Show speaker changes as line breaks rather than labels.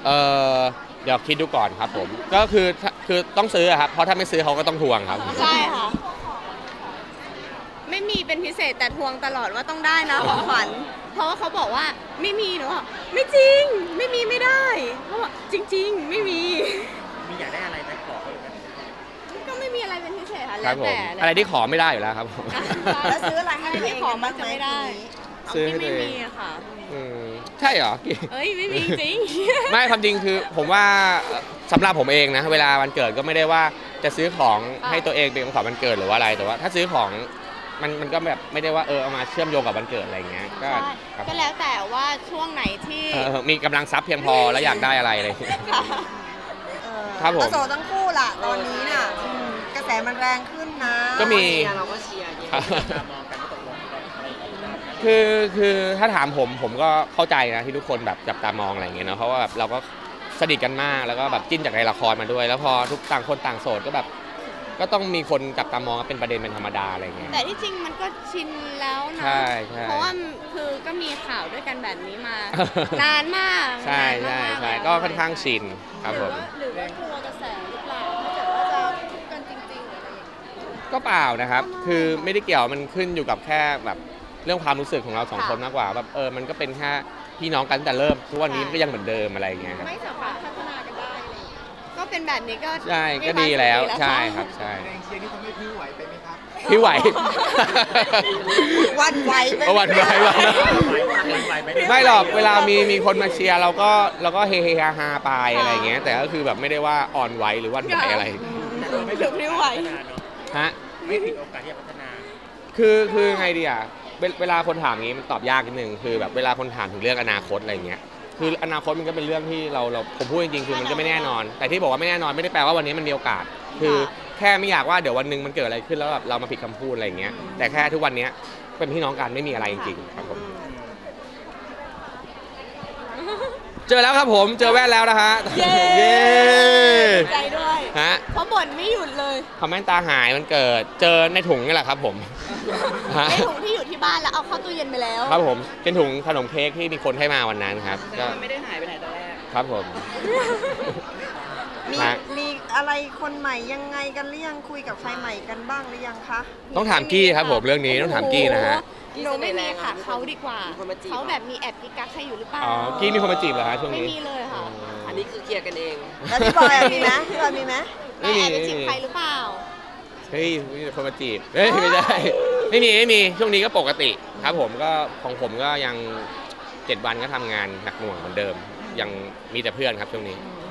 เออเดี๋ยวคิดดูก่อนครับผมก็คือต้องซื้อครับเพราะถ้าไม่ซื้อเขาก็ต้องทวงครับ
ใช่ค่ะไม่มีเป็นพิเศษแต่ทวงตลอดว่าต้องได้นะของขวัญเพราะว่าเขาบอกว่าไม่มีหนูบอกไม่จริงไม่มีไม่ได้เขาบอกจริงๆไม่มี
อยากได้อะไรไหมขอเขาไหม
ก็ไม่มีอะไรเป็นพิเศษค่ะ
ครั
แล้
บ
ว
ผม
แต่
อะไรที่ขอไม่ได้อยู่แล้วครับผม
แล้วซื้ออะไรให้ตัวเอง
ขอมักจะไม่ได้
ซื้อให้
ไม่
ตัวเอง
มีอะค่ะ
ใช่เหรอ
เอ้ยไม่มีจริง
ไม่ความจริงคือผมว่าสำหรับผมเองนะเวลาวันเกิดก็ไม่ได้ว่าจะซื้อของให้ตัวเองเป็นของขวัญวันเกิดหรือว่าอะไรแต่ว่าถ้าซื้อของมันก็แบบไม่ได้ว่าเอามาเชื่อมโยงกับวันเกิดอะไรอย่างเงี้ยก็ครับ
ก็แล้วแต่ว่าช่วงไหนที่
มีกำลังทรัพย์เพียงพอแล้วอยากได้อะไรอะไรอย่างเงี้ย ครับผม
โสดทั้งคู่ล่ะตอนนี้น่ะกระแสมันแรงขึ้นนะ
ก็มี
เราก็เชียร์
ครับ
มองกันว่าตกลงอะไรอย่างเงี้ย
คือถ้าถามผมก็เข้าใจนะที่ทุกคนแบบจับตามองอะไรอย่างเงี้ยเนาะเพราะว่าแบบเราก็สนิทกันมากแล้วก็แบบจิ้นจากในละครมาด้วย แล้วพอทุกต่างคนต่างโสดก็แบบก็ต้องมีคนจับตามองเป็นประเด็นเป็นธรรมดาอะไรอย่างเงี้ย
แต่ที่จริงมันก็ชินแล้วนะ
ใช่ใช่
เพราะว่าคือก็มีข่าวด้วยกันแบบนี้มา นานมาก
ใช่
นานมากๆ
ใช่
แล้ว
ก็ค่อนข้างชินครับผม
หรือว่ากลัวกระแสหรือเปล่าถ้าเกิดว่าจะคบกันจริงๆหรืออะไรอย่างเงี้ย
ก็เปล่านะครับ คือไม่ได้เกี่ยวมันขึ้นอยู่กับแค่แบบเรื่องความรู้สึกของเราสองคนมากกว่าแบบมันก็เป็นแค่พี่น้องกันตั้งแต่เริ่มทุกวันนี้มันก็ยังเหมือนเดิมอะไรอย่างเงี้ยครับ
ไม่สามารถพัฒนากันได้อะไรอย่างเงี้ยก็เป็นแบบนี้ก็
ใช่
มี
ก็
ความ
ดี
สุข
แล้วใช่ครับใช่
แรงเชียร์นี่ทำให้พี่ไหวไปไหมครับ
พี่ไหว
วันไหวไป
หวั่นไหวหวั่นไหว
ไหวไหม
ไม่หรอกเวลามีคนมาเชียร์เราก็เฮฮาไปอะไรอย่างเงี้ยแต่ก็คือแบบไม่ได้ว่าอ่อนไหวหรือหวันไหวอะไร
ไม่ถึงไม่ไหวเนาะ
ฮะ
ไม่ถึงโอกาสที่จะพัฒนา
คือไงดีอ่ะเวลาคนถามงี้มันตอบยากนิดนึงคือแบบเวลาคนถามถึงเรื่องอนาคตอะไรเงี้ยคืออนาคตมันก็เป็นเรื่องที่เราผมพูดจริงๆคือมันก็ไม่แน่นอน แต่ที่บอกว่าไม่แน่นอนไม่ได้แปลว่าวันนี้มันมีโอกาส คือแค่ไม่อยากว่าเดี๋ยววันหนึงมันเกิดอะไรขึ้นแล้วแบบเรามาผิดคำพูดอะไรเงี้ยแต่แค่ทุกวันนี้เป็นพี่น้องกันไม่มีอะไรจริงๆครับผมเจอแล้วครับผมเจอแว่นแล้วนะฮะ
เย้
เย้
ใจด้วย
ฮะ
เพราะบ่นไม่หยุดเลย
คอมเมนต์ตาหายมันเกิดเจอในถุงนี่แหละครับผมฮะ
ในถุงที่อยู่ที่บ้านแล้วเอาเข้าตู้เย็นไปแล้ว
ครับผมเป็นถุงขนมเค้กที่มีคนให้มาวันนั้นครับก็
มันไม่ได้หายไปไหนตอนแรก
ครับผม
มี
ฮะ
มีอะไรคนใหม่ยังไงกันหรือยังคุยกับใครใหม่กันบ้างหรือยังคะ
ต้องถามกี้ครับผมเรื่องนี้ต้องถามกี้นะฮะ
หนูไม่มีค่ะเขาดีกว่าเขาแบบมีแอบกิ๊กกักใครอยู่หรือเปล่า
อ๋อกี้มีคนมาจีบเหรอฮะช่วง
ไม่
นี้
มีเลยค่ะ
อันนี้คือเคลียร์กันเอง
แล้วพี่บอยมีไหมพี่บอยมีไหม
แต่แอบไปจีบใครหรือเปล่า
เฮ้ยมีคนมาจีบเฮ้ยไม่ได้ไม่มีช่วงนี้ก็ปกติครับผมก็ของผมก็ยัง7 วันก็ทำงานหนักหน่วงเหมือนเดิม ยังมีแต่เพื่อนครับช่วงนี้
อ